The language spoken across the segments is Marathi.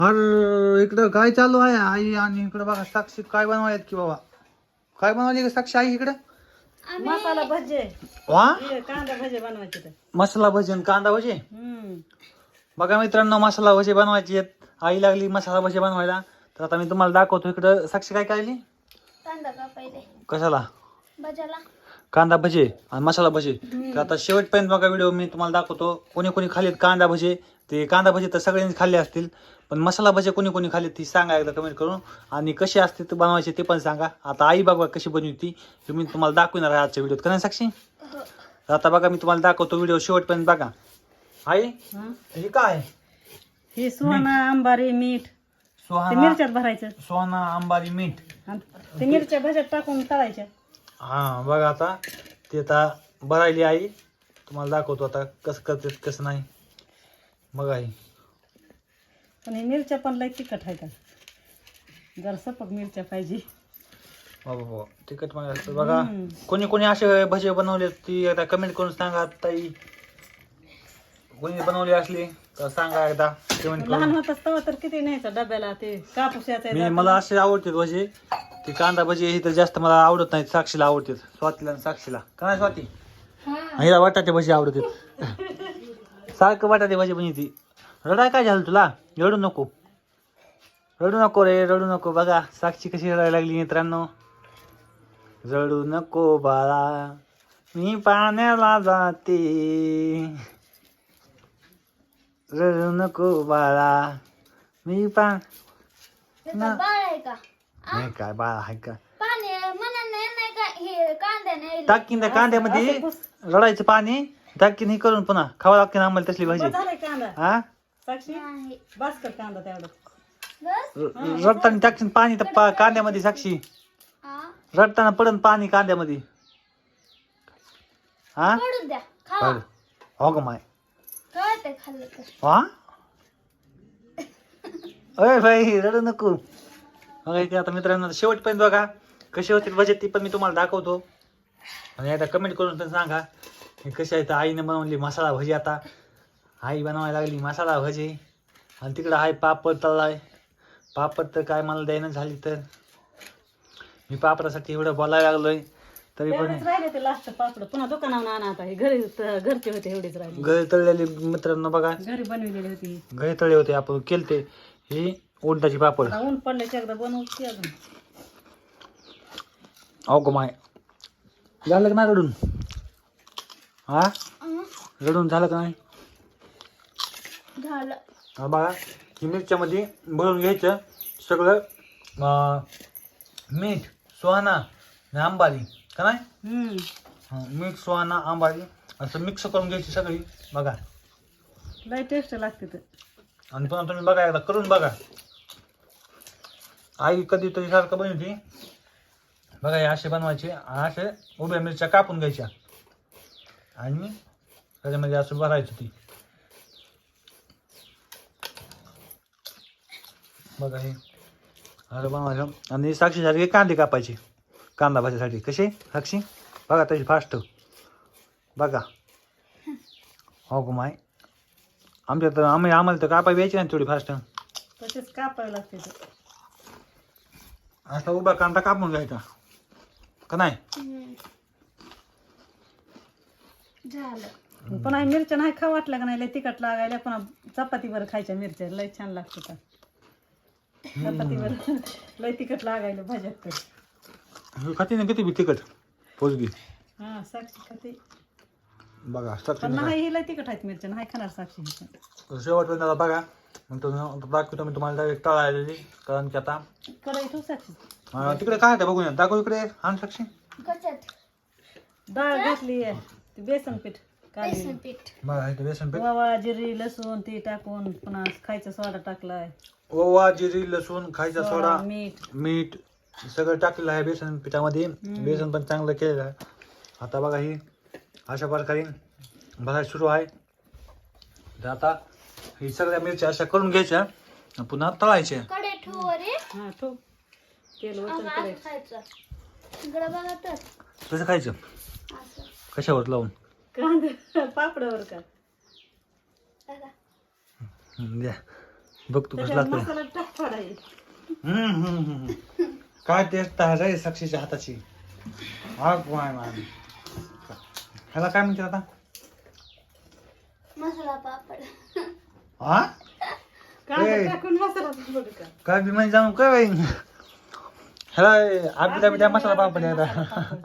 अरे इकडं काय चालू आहे आई आणि इकडं बघा साक्षी काय बनवायत की बाबा काय बनवली का साक्षी आई इकडं मसाला भजे वा कांदा भजे बनवायचे ते मसाला भजी आणि कांदा भजी बघा मित्रांनो मसाला भजी बनवायची आहेत आई लागली मसाला भजी बनवायला तर आता मी तुम्हाला दाखवतो इकडं साक्षी काय काढली कांदा का पहिले कशाला भजाला कांदा भजी आणि मसाला भजी तर आता शेवटपर्यंत बघा व्हिडिओ मी तुम्हाला दाखवतो कोणी कोणी खाल्लेत कांदा भजी ते कांदा भजी तर सगळ्यांनी खाल्ले असतील पण मसाला भजी कोणी कोणी खाल्ली ती सांगा एकदा कमेंट करून आणि कशी असते ते बनवायचे ते पण सांगा आता आई बघा कशी बनवती ते मी तुम्हाला दाखवणार आहे आजच्या व्हिडिओत का नाही साक्षी तर आता बघा मी तुम्हाला दाखवतो व्हिडिओ शेवटपर्यंत बघा आई हे काय हे सोना अंबारी मीठ ते सोहाना मिरच्यात भरायचं सोना अंबारी मीठ आणि ते मिरच्या भज्यात टाकून तळायच्या हा बघा आता ते आता भरायली आई तुम्हाला दाखवतो आता कसं करतात कसं नाही बघा आई पण हे मिरच्या पण लय तिखट आहे का जरा सपक मिरच्या पाहिजे बाबा तिखट मागायचं बघा कोणी कोणी असे भजे बनवले ती एकदा कमेंट करून सांगा ताई कोणी बनवली असली तर सांगा एकदा कमेंट लहान करून होताच तेव्हा तर किती न्यायचं डब्याला ते कापूस याचा मला असे आवडते भजे ती कांदा भजी ही तर जास्त मला आवडत नाहीत साक्षीला आवडतात स्वातीला आणि साक्षीला का नाही स्वाती हिला बटाटे भजी आवडतात सारखं बटाटे भजी बनवती रडाय काय झालं तुला रडू नको रे रडू नको बघा साक्षी कशी रडायला लागली मित्रांनो रडू नको बाळा मी पाण्याला जाते रडू नको बाळा मी त्याचा बाळ आहे का नाही काय बाळा आहे का पाणी म्हणा नाही का हे कांद्याने टाकीन त्या कांद्यामध्ये रडायचं पाणी टाकीन हे करून पुन्हा खावं लागते आम्हाला तसली भाजी झालाय कांदा हा साक्षी नाही बास कर कांदा तेवढा बस रडताना टाकीन पाणी त्या कांद्यामध्ये साक्षी हा रडताना पडन पाणी कांद्यामध्ये हा पडू द्या खावा हो ग माय कळतंय खाल्लं तर हा अय भाई रडू नको बघा इथे आता मित्रांनो शेवटपर्यंत बघा कशी होती बजेट ती पण मी तुम्हाला दाखवतो आणि एकदा कमेंट करून पण सांगा हे कशी आहे तर आईने बनवली मसाला भजी आता आई बनवायला लागली मसाला भजी आणि तिकडं आहे पापड तळलाय पापड तर काय मला द्यायनं झाली तर मी पापडासाठी एवढं बोलायला लागलोय तरी पण एवढेच राहिले ते लास्ट पापड पुन्हा दुकानावर आणा आता हे घरचे होते एवढेच राहिले गळे तळलेले मित्रांनो बघा घरी बनवलेली होती गळे तळले होते आपण केलते ही उंटाची पापड आता ऊन पडल्याची एकदा बनवते अजून अहो गो माय झालं का नाही रडून हा रडून झालं का नाही झालं हा बघा ही मिरच्यामध्ये भरून घ्यायचं सगळं मीठ सुहाना आणि आंबारी का नाही मीठ सुहाना आंबारी असं मिक्स करून घ्यायची सगळी बघा लय टेस्ट लागते ते आणि पुन्हा तुम्ही बघा एकदा करून बघा आई कधीतरी सारखं बनवती बघा हे असे बनवायचे असे उभ्या मिरच्या कापून घ्यायच्या आणि त्याच्यामध्ये असं भरायचं ती बघा हे असं बनवायचं आणि साक्षीसारखे कांदे कापायचे कांदा भाजीसाठी कसे साक्षी बघा त्याची फास्ट बघा हो गो माय आमच्या तर आम्हाला तर कापाय यायची नाही थोडी फास्ट तसेच कापायला लागते ते असा उभा कांदा कापून घ्यायचा का नाही झालं पुन्हा मिरच्या नाही खा वाटलं का नाही लय तिखट लागायला पुन्हा चपातीवर खायच्या मिरच्या लय छान लागते का चपातीवर लय तिखट लागायला भाज्यात तर खाते ना किती बी तिखट पोचगी हा साक्षी खाते बघा पण साक्षी नाही ही लय तिखट आहेत मिरच्या नाही खाणार साक्षी शेवटपर्यंत आता बघा मग तो दाखवतो मी तुम्हाला डायरेक्ट तळायला कारण की आता कडे तू साक्षी तिकडे काय आहे बघूया दाखव इकडे आण साक्षी कशात डाळ घातली ते बेसन पीठ काढली बेसन पीठ बघा इथे बेसन पीठ ओवा जिरी लसूण ते टाकून पुन्हा खायचा सोडा टाकलाय ओवा जिरी लसूण खायचा सोडा मीठ मीठ सगळं टाकलेलं आहे बेसन पिठामध्ये बेसन पण चांगलं केलेलं आहे आता बघा ही अशा प्रकारे भरायला सुरू आहे तर आता ही सगळ्या मिरच्या अशा करून घ्यायच्या आणि पुन्हा तळायच्या कडे ठेवू रे हा ठेव तेल वचन असं करायचं खायचं इकडे बघा तर कसं खायचं असं कशावर लावून कांदा पापडावर का बघा द्या बघ तू कसं त्याच्यावर लागतं. मसाला टाक थोडा एक. काय टेस्ट आहे रे साक्षीच्या हाताची. हा काय मान ह्याला काय म्हणते आता? मसाला पापड. हा कांदा ए. टाकून मसाला पापड कर. काय बी म्हणजे जाऊन काय बाई ह्याला आबिदा बिदा मसाला पापड आहे आता.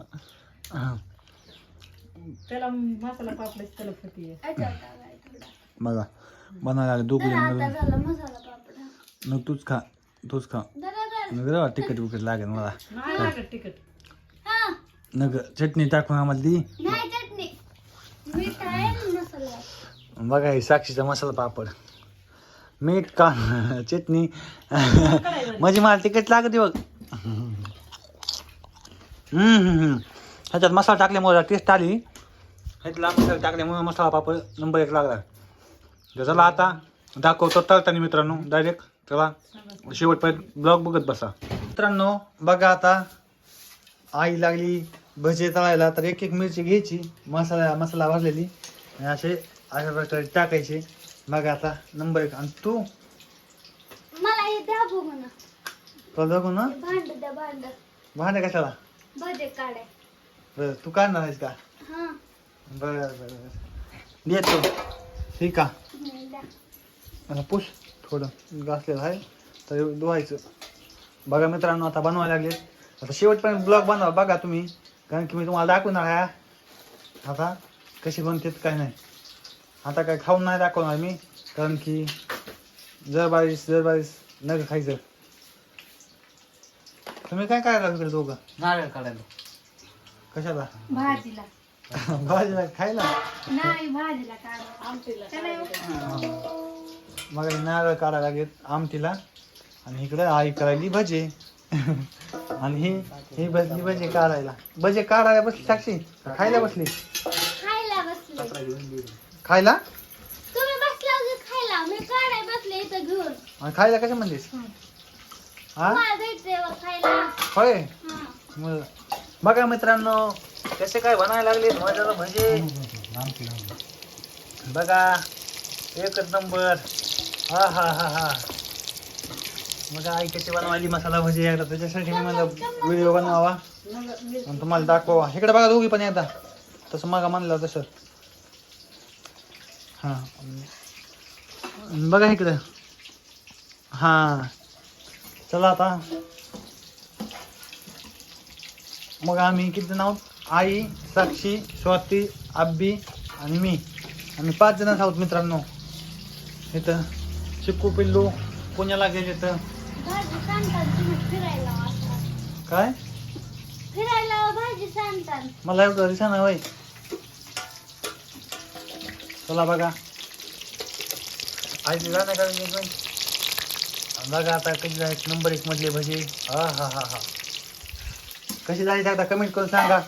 त्याला मसाला पापडाची त्याला फुटी आहे. याच्यावर टाकाय थोडा. बघा बनवायला आले दोघं तर आता जण. झाला मसाला पापड. मग तूच खा जरा जरा. नगर तिखट विकट लागेल मला. नाही लागत तिखट. हा. नगर चटणी टाकून आम्हाला दी. नाही चटणी. मीठ आहे आणि मसाला आहे. बघा हे साक्षीचा मसाला पापड. मीठ का चटणी म्हणजे मला तिखट लागते बघ. ह्याच्यात मसाला टाकल्यामुळे टेस्ट आली. ह्यातला मसाला टाकल्यामुळे मसाला पापड नंबर 1 लागला. चला आता दाखवतो तळताना मित्रांनो डायरेक्ट. चला शेवटपर्यंत ब्लॉग बघत बसा मित्रांनो. बघा आता आई लागली भजे तळायला. तर एक एक मिरची घ्यायची मसाला भाजलेली आणि अशा प्रकारे टाकायचे. बघा आता नंबर 1. आणि तू मला हे द्या बघू ना. तुला बघू ना भांड द्या भांड. भांडे कशाला? भजे काढाय. बरं तू काढणार आहेस का? हा. बरं देतो. ठीक आहे द्या. मला पुश थोडं घासलेलं आहे तर धुवायचं. बघा मित्रांनो आता बनवायला लागले. आता शेवटपर्यंत ब्लॉग बनवा बघा तुम्ही. कारण की मी तुम्हाला दाखवणार आहे आता कशी बनते काय नाही. आता काय खाऊन नाही दाखवणार मी. कारण की जर बारीस नग खायचं. तुम्ही काय करायला इकडे दोघं? नारळ काढायला. कशाला? भाजीला. भाजीला खायला? नाही भाजीला काढा. आमटीला. मग नारळ काढायला लागेल आमटीला. आणि इकडे आई करायली भजे. आणि ही बसली भजे काढायला. भजे काढायला बसली साक्षी खायला बसली? खायला बसले. खायला? तुम्ही बसला की खायला. मी काढाय बसले इथं घेऊन. आणि खायला कशा म्हणलीस? हा मला जायचंय बघ खायला. होय. हा. मग बघा मित्रांनो कसे काय बनायला लागले माझ्या भजे. बघा एकच नंबर. हा हा हा हा. मग आई कशी बनवायली मसाला भजी एकदा त्याच्यासाठी मी मला व्हिडिओ बनवावा आणि तुम्हाला दाखवा. इकडे बघा दोघी पण एकदा तसं मग म्हणलं तसं. हा बघा इकडं. हा चला आता मग आम्ही किती जण आहोत? आई, साक्षी, स्वाती, आब्बी आणि मी. आम्ही 5 जणच आहोत मित्रांनो. इथं चिक्कू पिल्लू पुण्याला गेले तर भाजी सांगतात तुम्ही फिरायला आता. काय फिरायला भाजी सांगतात. मला एवढं दिसा होय. चला बघा आईची गाणं काढून बघा आता कशी जायचं नंबर 1 मधले भजी. हा हा हा हा. कशी जायचं एकदा कमेंट करून सांगा.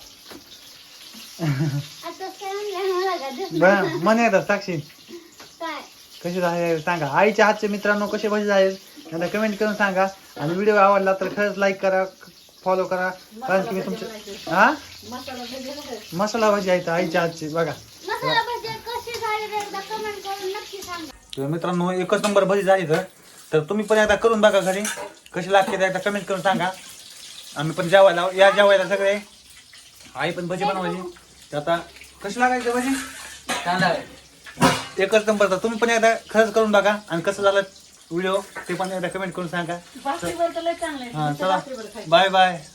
आता सांगलं मला का दिसलं? बरं मन एकदा साक्षी काय? कशी जायचं सांगा. आईच्या हातचे मित्रांनो कसे भजी जाईल एकदा कमेंट करून सांगा. आणि व्हिडिओ आवडला तर खरंच लाईक करा फॉलो करा. कारण की मी तुमचे हा मसाला भजी आहे. मसाला भजी आहेत आईच्या हातची बघा. मसाला भजी कशी झाली ते एकदा कमेंट करून नक्की सांगा. तर मित्रांनो एकच नंबर भजी झाली तर तुम्ही पण एकदा करून बघा घरी. कशी लागते ते एकदा कमेंट करून सांगा. आम्ही पण जेवायला या जेवायला सगळे. आई पण भजी बनवायची. तर आता कशी लागायची भजी? कांदा आहे. एकच नंबर. तर तुम्ही पण एकदा खरंच करून बघा आणि कसं झालं व्हिडिओ ते पण एकदा कमेंट करून सांगा. भाकरीवर तर लय चांगलं आहे. हा नुसतं चला भाकरीवर खायचं. Bye bye.